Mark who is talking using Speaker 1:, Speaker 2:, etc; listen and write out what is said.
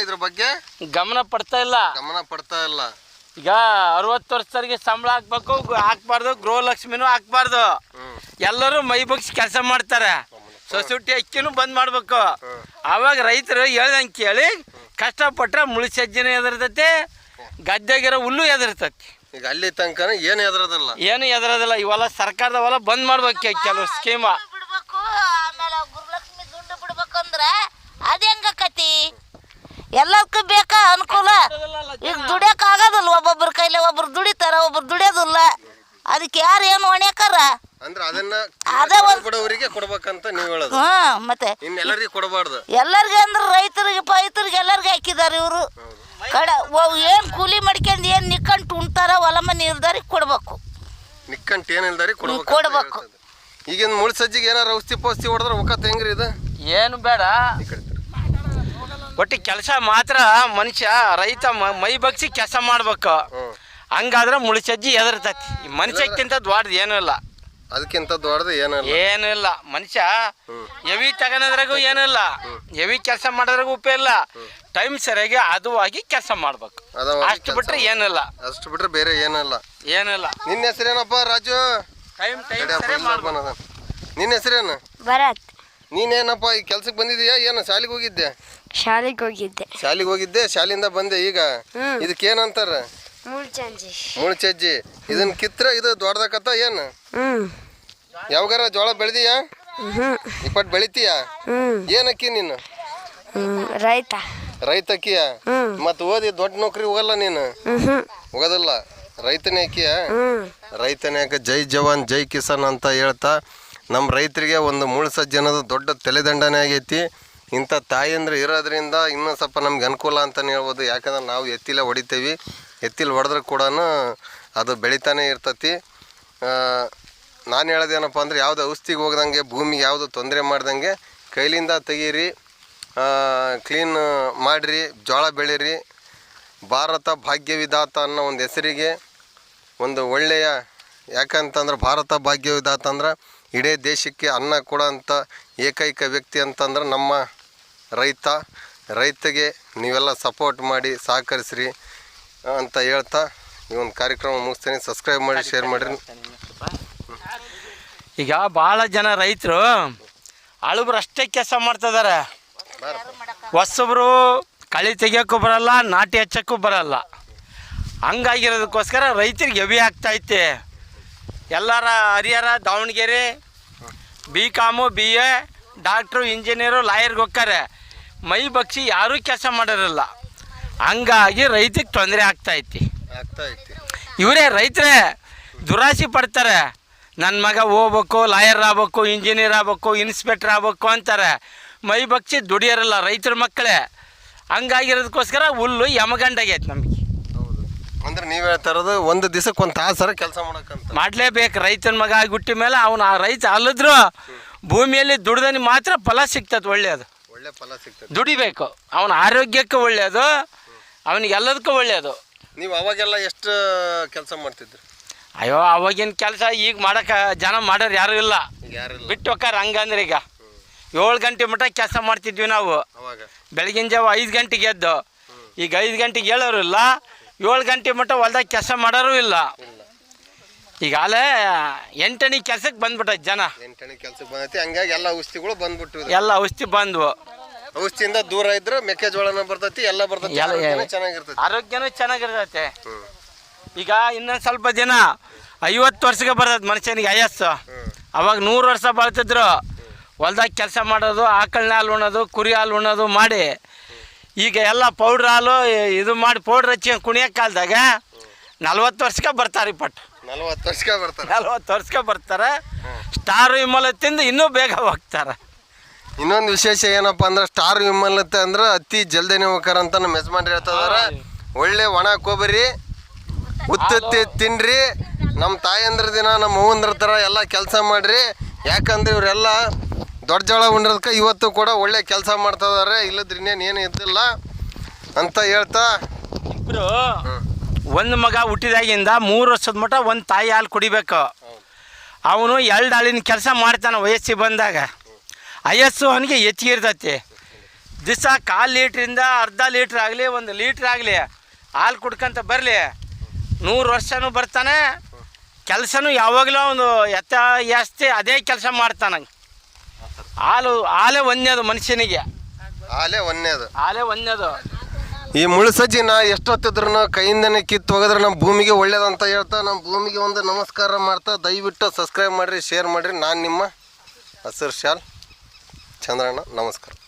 Speaker 1: ಇದ್ರ ಬಗ್ಗೆ
Speaker 2: ಗಮನ ಪಡ್ತಾ ಇಲ್ಲ. ಈಗ 60 ವರ್ಷದವರಿಗೆ ಸಂಬಳ ಹಾಕ್ಬಾರ್ದು, ಗೃಹಲಕ್ಷ್ಮಿನೂ ಹಾಕ್ಬಾರ್ದು. ಎಲ್ಲರೂ ಮೈ ಬಗ್ಸಿ ಕೆಲಸ ಮಾಡ್ತಾರೆ. ಸೊಸೈಟಿ ಅಕ್ಕಿನೂ ಬಂದ್ ಮಾಡ್ಬೇಕು. ಆವಾಗ ರೈತರು ಹೇಳ್ದಂಗೆ ಕೇಳಿ ಕಷ್ಟಪಟ್ರೆ ಮುಳಿ ಸಜ್ಜನೆ ಎದುರ್ತೈತಿ, ಗದ್ದೆಗಿರೋ ಹುಲ್ಲು ಎದುರ್ತೈತಿ.
Speaker 1: ಈಗ ಅಲ್ಲಿ ತನಕ ಏನು
Speaker 2: ಎದುರೋದಿಲ್ಲ. ಇವೆಲ್ಲ ಸರ್ಕಾರದ ಹೊಲ ಬಂದ್ ಮಾಡ್ಬೇಕು. ಕೆಲವು ಸ್ಕೀಮ
Speaker 3: ಬಿಡ್ಬೇಕು. ಆಮೇಲೆ ಗೃಹಲಕ್ಷ್ಮಿ ದುಡ್ಡು ಬಿಡ್ಬೇಕಂದ್ರೆ ಅದ ಹೆಂಗಕತಿ? ಎಲ್ಲದಕ್ಕೂ ಬೇಕಾ ಅನುಕೂಲ. ಈಗ ದುಡಿಯಕ್ ಆಗೋದಿಲ್ಲ. ಒಬ್ಬೊಬ್ರ ಕೈಲಿ ಒಬ್ರು ದುಡಿತಾರ, ಒಬ್ರು ದುಡಿಯೋದಿಲ್ಲ. ಅದಕ್ಕೆ ಯಾರು ಏನು ಹೊಣ್ಯಾಕಾರ
Speaker 1: ಅಂದ್ರೆ ಅದನ್ನ ಬಡವರಿಗೆ ಕೊಡ್ಬೇಕಂತ ನೀವು ಹೇಳೋದು.
Speaker 3: ಮತ್ತೆ
Speaker 1: ಎಲ್ಲರಿಗೂ ಕೊಡಬಾರ್ದು.
Speaker 3: ಎಲ್ಲರಿಗೆ ಅಂದ್ರೆ ರೈತರಿಗೆ ಎಲ್ಲರಿಗೆ ಹಾಕಿದಾರೆ ಇವರು. ಏನ್ ಕೂಲಿ ಮಾಡ್ಕೊಂಡು ಏನ್ ನಿಕ್ಕಂಟು ಉಣ್ತಾರ ಹೊಲ ಮನೆ ಇಲ್ದಾರಿಗೆ ಕೊಡ್ಬೇಕು.
Speaker 1: ನಿಕ್ಕಂಟು ಏನಿಲ್ದಾರಿಗೆ ಕೊಡ್ಬೇಕು. ಈಗಿನ ಮುಳ್ಳು ಸಜ್ಜಿಗೆ ಏನಾರ ಔಷಧಿ ಪೌಷಧಿ ಹೊಡೆದ್ರೆ ಒಕ್ಕತ್ ಹೆಂಗ್ರಿ ಇದು?
Speaker 2: ಏನು ಬೇಡ, ಒಟ್ಟು ಕೆಲಸ ಮಾತ್ರ ಮನುಷ್ಯ ರೈತ ಮೈ ಬಗ್ಸಿ ಕೆಲಸ ಮಾಡ್ಬೇಕು. ಹಂಗಾದ್ರೆ ಮುಳ್ಳು ಸಜ್ಜಿ ಎದರ್ತೈತಿ. ಮನುಷ್ಯಕ್ಕಿಂತ ದೊಡ್ಡದು ಏನೂ ಇಲ್ಲ.
Speaker 1: ಅದಕ್ಕಿಂತ ದೊಡ್ಡದು
Speaker 2: ಏನೂ ಇಲ್ಲ. ಮನುಷ್ಯ ಎವಿ ತಗೊಳೋದ್ರಾಗೂ ಏನಿಲ್ಲ, ಎವಿ ಕೆಲಸ ಮಾಡೋದ್ರಾಗೂ ಉಪಯೋಗ ಇಲ್ಲ. ಟೈಮ್ ಸರಿಯಾಗಿ ಅದುವಾಗಿ ಕೆಲಸ ಮಾಡ್ಬೇಕು. ಅಷ್ಟು ಬಿಟ್ರೆ ಏನಿಲ್ಲ.
Speaker 1: ಅಷ್ಟು ಬಿಟ್ರೆ ಬೇರೆ ಏನಿಲ್ಲ. ನಿನ್ನ ಹೆಸರೇನಪ್ಪ? ರಾಜು. ನಿನ್ನ ಹೆಸರೇನು?
Speaker 4: ಭರತ್.
Speaker 1: ನೀನೇನಪ್ಪ ಈ ಕೆಲ್ಸಕ್ಕೆ ಬಂದಿದೀಯಾ? ಏನು ಶಾಲೆಗೆ ಹೋಗಿದ್ದೆ?
Speaker 4: ಶಾಲೆಗೆ
Speaker 1: ಹೋಗಿದ್ದೆ. ಶಾಲೆಯಿಂದ ಬಂದೆ. ಈಗ ಇದಕ್ಕೇನಂತಾರ? ಮುಳ್ಚಜ್ಜಿ. ಇದನ್ನ ಕಿತ್ರ ಇದು ದೊಡ್ಡದಕ್ಕತ್ತ ಏನು? ಯಾವಾಗಾರ ಜೋಳ ಬೆಳೆದಿಯಾ? ಇಪ್ಪಟ್ಟು ಬೆಳಿತೀಯ? ಏನಕ್ಕಿ ನೀನು? ರೈತಕ್ಕಿಯ? ಮತ್ ಓದಿ ದೊಡ್ಡ ನೌಕರಿ ಹೋಗಲ್ಲ ನೀನು? ಹೋಗೋದಿಲ್ಲ, ರೈತನೇ ಅಕ್ಕಿಯ? ರೈತನೇ ಅಕ್ಕ. ಜೈ ಜವಾನ್ ಜೈ ಕಿಸಾನ್ ಅಂತ ಹೇಳ್ತಾ ನಮ್ಮ ರೈತರಿಗೆ ಒಂದು ಮುಳ್ಳು ಸಜ್ಜಿ ಅನ್ನೋದು ದೊಡ್ಡ ತಲೆದಂಡನೆ ಆಗೈತಿ. ಇಂಥ ತಾಯಂದ್ರೆ ಇರೋದ್ರಿಂದ ಇನ್ನೂ ಸ್ವಲ್ಪ ನಮ್ಗೆ ಅನುಕೂಲ ಅಂತಲೇ ಹೇಳ್ಬೋದು. ಯಾಕಂದ್ರೆ ನಾವು ಎತ್ತಿಲೆ ಹೊಡಿತೀವಿ. ಎತ್ತಿಲ್ ಹೊಡೆದ್ರೆ ಕೂಡ ಅದು ಬೆಳಿತಾನೆ ಇರ್ತತಿ. ನಾನು ಹೇಳೋದೇನಪ್ಪ ಅಂದರೆ ಯಾವುದು ಔಷಧಿಗೆ ಹೋಗ್ದಂಗೆ, ಭೂಮಿಗೆ ಯಾವುದು ತೊಂದರೆ ಮಾಡ್ದಂಗೆ ಕೈಲಿಂದ ತೆಗೀರಿ, ಕ್ಲೀನ್ ಮಾಡಿರಿ, ಜೋಳ ಬೆಳೀರಿ. ಭಾರತ ಭಾಗ್ಯವಿಧಾತ ಅನ್ನೋ ಒಂದು ಹೆಸರಿಗೆ ಒಂದು ಒಳ್ಳೆಯ, ಯಾಕಂತಂದ್ರೆ ಭಾರತ ಭಾಗ್ಯವಿಧಾತ ಅಂದ್ರೆ ಇಡೀ ದೇಶಕ್ಕೆ ಅನ್ನ ಕೊಡೋಂಥ ಏಕೈಕ ವ್ಯಕ್ತಿ ಅಂತಂದ್ರೆ ನಮ್ಮ ರೈತಗೆ ನೀವೆಲ್ಲ ಸಪೋರ್ಟ್ ಮಾಡಿ ಸಹಕರಿಸ್ರಿ ಅಂತ ಹೇಳ್ತಾ ಈ ಒಂದು ಕಾರ್ಯಕ್ರಮ ಮುಗಿಸ್ತೀನಿ. ಸಬ್ಸ್ಕ್ರೈಬ್ ಮಾಡಿ, ಶೇರ್ ಮಾಡಿರಿ.
Speaker 2: ಈಗ ಭಾಳ ಜನ ರೈತರು ಅಳುಬ್ರು ಅಷ್ಟೇ ಕೆಲಸ ಮಾಡ್ತಿದ್ದಾರೆ. ಹೊಸಬ್ರು ಕಳೆ ತೆಗಿಯೋಕ್ಕೂ ಬರಲ್ಲ, ನಾಟಿ ಹಚ್ಚೋಕ್ಕೂ ಬರಲ್ಲ. ಹಂಗಾಗಿರೋದಕ್ಕೋಸ್ಕರ ರೈತರಿಗೆ ಹೆವಿ ಆಗ್ತೈತೆ. ಎಲ್ಲರ Harihar, Davanagere BCom, BA, doctor, engineer, ಲಾಯರ್ಗೆ ಹೋಗ್ತಾರೆ. ಮೈ ಬಗ್ಸಿ ಯಾರೂ ಕೆಲಸ ಮಾಡೋರಿಲ್ಲ. ಹಂಗಾಗಿ ರೈತಕ್ಕೆ ತೊಂದರೆ ಆಗ್ತೈತಿ. ಇವರೇ ರೈತರೇ ದುರಾಸೆ ಪಡ್ತಾರೆ. ನನ್ನ ಮಗ ಹೋಗ್ಬೇಕು, ಲಾಯರ್ ಆಗ್ಬೇಕು, ಇಂಜಿನಿಯರ್ ಆಗ್ಬೇಕು, ಇನ್ಸ್ಪೆಕ್ಟರ್ ಆಗ್ಬೇಕು ಅಂತಾರೆ. ಮೈ ಬಗ್ಸಿ ದುಡಿಯೋರಲ್ಲ ರೈತರ ಮಕ್ಕಳೇ. ಹಂಗಾಗಿರೋದಕ್ಕೋಸ್ಕರ ಹುಲ್ಲು ಯಮಗಂಡಾಗೈತೆ ನಮಗೆ.
Speaker 1: ಅಂದ್ರೆ ನೀವು ಹೇಳ್ತಾ ಇರೋದು ಒಂದು ದಿವಸಕ್ಕೆ ಒಂದು ತಾಸರ ಕೆಲಸ
Speaker 2: ಮಾಡಲೇಬೇಕು. ರೈತನ ಮಗ ಆಗಿ ಹುಟ್ಟಿ ಮೇಲೆ ಅವನು ಆ ರೈತ ಅಲ್ಲಿದ್ರು ಭೂಮಿಯಲ್ಲಿ ದುಡ್ದನಿ ಮಾತ್ರ ಫಲ ಸಿಗ್ತದೆ. ಒಳ್ಳೆ ಫಲ ಸಿಗ್ತದೆ. ದುಡಿಬೇಕು. ಅವನ ಆರೋಗ್ಯಕ್ಕೆ ಒಳ್ಳೆಯದು, ಅವನಿಗೆಲ್ಲದಕ್ಕೂ ಒಳ್ಳೆಯದು.
Speaker 1: ನೀವು ಅವಾಗೆಲ್ಲ ಎಷ್ಟು ಕೆಲಸ ಮಾಡ್ತಿದ್ರಿ?
Speaker 2: ಅಯ್ಯೋ, ಅವಾಗಿನ ಕೆಲಸ ಈಗ ಮಾಡೋಕೆ ಜನ ಮಾಡೋರು ಯಾರೂ ಇಲ್ಲ. ಬಿಟ್ಟು ಹೋಗ್ತಾರೆ. ಹಂಗಂದ್ರೆ ಈಗ 7 ಗಂಟೆ ಮಟ್ಟ ಕೆಲಸ ಮಾಡ್ತಿದ್ವಿ ನಾವು. ಬೆಳಗಿನ ಜಾವ 5 ಗಂಟೆಗೆ ಎದ್ದು. ಈಗ 5 ಗಂಟೆಗೆ ಹೇಳೋರು ಇಲ್ಲ, 7 ಗಂಟೆ ಮಟ್ಟ ಹೊಲ್ದಾಗ ಕೆಲಸ ಮಾಡೋರು ಇಲ್ಲ. ಈಗಾಗಲೇ 8 ಕೆಲಸಕ್ಕೆ ಬಂದ್ಬಿಟ್ಟೈತೆ ಜನ.
Speaker 1: 8 ಕೆಲಸಕ್ಕೆ ಬಂದೈತಿ. ಹಂಗಾಗಿ ಎಲ್ಲ ಔಷಧಿಗಳು ಬಂದ್ಬಿಟ್ಟು
Speaker 2: ಎಲ್ಲ ಔಷಧಿ ಬಂದ್ವು.
Speaker 1: ಔಷಧಿಯಿಂದ ದೂರ ಇದ್ರೆ ಮೆಕ್ಕೆಜೋಳನ ಬರ್ತೈತಿ, ಎಲ್ಲ ಬರ್ತೈತಿ, ಚೆನ್ನಾಗಿರ್ತೈತಿ,
Speaker 2: ಆರೋಗ್ಯನೂ ಚೆನ್ನಾಗಿರ್ತೈತೆ. ಈಗ ಇನ್ನೊಂದು ಸ್ವಲ್ಪ ದಿನ 50 ವರ್ಷಕ್ಕೆ ಬರ್ತೈತೆ ಮನುಷ್ಯನಿಗೆ ಆಯಸ್ಸು. ಅವಾಗ 100 ವರ್ಷ ಬಾಳ್ತಿದ್ರು. ಹೊಲ್ದಾಗ ಕೆಲಸ ಮಾಡೋದು, ಆಕಳನ ಹಾಲು ಉಣ್ಣೋದು, ಕುರಿ ಹಾಲು ಉಣ್ಣೋದು ಮಾಡಿ ಈಗ ಎಲ್ಲ ಪೌಡ್ರ್ ಹಾಲು ಇದು ಮಾಡಿ ಪೌಡ್ರ್ ಹಚ್ಚಿ ಕುಣಿಯೋ ಕಾಲದಾಗ 40 ವರ್ಷಕ್ಕೆ ಬರ್ತಾರೆ.
Speaker 1: 40
Speaker 2: ವರ್ಷಕ್ಕೆ ಬರ್ತಾರೆ. ಸ್ಟಾರ್ ವಿಮಲ್ ತಿಂದು ಇನ್ನೂ ಬೇಗ ಹೋಗ್ತಾರೆ.
Speaker 1: ಇನ್ನೊಂದು ವಿಶೇಷ ಏನಪ್ಪ ಅಂದ್ರೆ ಸ್ಟಾರ್ ವಿಮಲತೆ ಅಂದ್ರೆ ಅತಿ ಜಲ್ದಿನೇ ಹೋಗ್ತಾರ ಅಂತ ನಮ್ಮ ಯಜಮಾನ್ರು ಹೇಳ್ತಿದಾರೆ. ಒಳ್ಳೆ ಒಣ ಕೊಬ್ಬರಿ ಉತ್ತತ್ತಿ ತಿನ್ರಿ. ನಮ್ಮ ತಾಯಂದ್ರ ದಿನ ನಮ್ಮ ಅವ್ವಂದ್ರ ಥರ ಎಲ್ಲ ಕೆಲಸ ಮಾಡಿರಿ. ಯಾಕಂದ್ರೆ ಇವರೆಲ್ಲ ದೊಡ್ಡ ಜೋಳ ಉಂಡಿರೋದಕ್ಕೆ ಇವತ್ತು ಕೂಡ ಒಳ್ಳೆ ಕೆಲಸ ಮಾಡ್ತಿದ್ದಾರೆ. ಇಲ್ಲದ್ರೆ ಇನ್ನೇನು ಇದ್ದಿಲ್ಲ ಅಂತ ಹೇಳ್ತಾ
Speaker 2: ಇಬ್ಬರು ಒಂದು ಮಗ ಹುಟ್ಟಿದಾಗಿಂದ 3 ವರ್ಷದ ಮಟ್ಟ ಒಂದು ತಾಯಿ ಹಾಲು ಕುಡಿಬೇಕು. ಅವನು 2 ಹಾಲಿನ ಕೆಲಸ ಮಾಡ್ತಾನೆ ವಯಸ್ಸಿಗೆ ಬಂದಾಗ. ವಯಸ್ಸು ಅವನಿಗೆ ಹೆಚ್ಚಿಗೆ ಇರ್ತೈತಿ. ದಿವಸ 1/4 ಲೀಟ್ರಿಂದ ಅರ್ಧ ಲೀಟ್ರ್ ಆಗಲಿ 1 ಲೀಟ್ರ್ ಆಗಲಿ ಹಾಲು ಕುಡ್ಕೊಂತ ಬರಲಿ 100 ವರ್ಷನೂ ಬರ್ತಾನೆ. ಕೆಲಸನೂ ಯಾವಾಗಲೂ ಒಂದು ಜಾಸ್ತಿ ಅದೇ ಕೆಲಸ ಮಾಡ್ತಾನೆ. ಹಾಲೇ ಒಂದೇದು ಮನುಷ್ಯನಿಗೆ,
Speaker 1: ಹಾಲೇ ಒಂದೇದು. ಈ ಮುಳ್ಳುಸಜ್ಜಿನ ಎಷ್ಟೊತ್ತಿದ್ರು ಕೈಯಿಂದನೇ ಕಿತ್ತು ಹೋಗಿದ್ರೆ ನಮ್ಮ ಭೂಮಿಗೆ ಒಳ್ಳೇದಂತ ಹೇಳ್ತಾ ನಮ್ಮ ಭೂಮಿಗೆ ಒಂದು ನಮಸ್ಕಾರ ಮಾಡ್ತಾ ದಯವಿಟ್ಟು ಸಬ್ಸ್ಕ್ರೈಬ್ ಮಾಡಿರಿ, ಶೇರ್ ಮಾಡಿರಿ. ನಾನು ನಿಮ್ಮ ಹಸಿರು ಶಾಲ್ ಚಂದ್ರಣ್ಣ, ನಮಸ್ಕಾರ.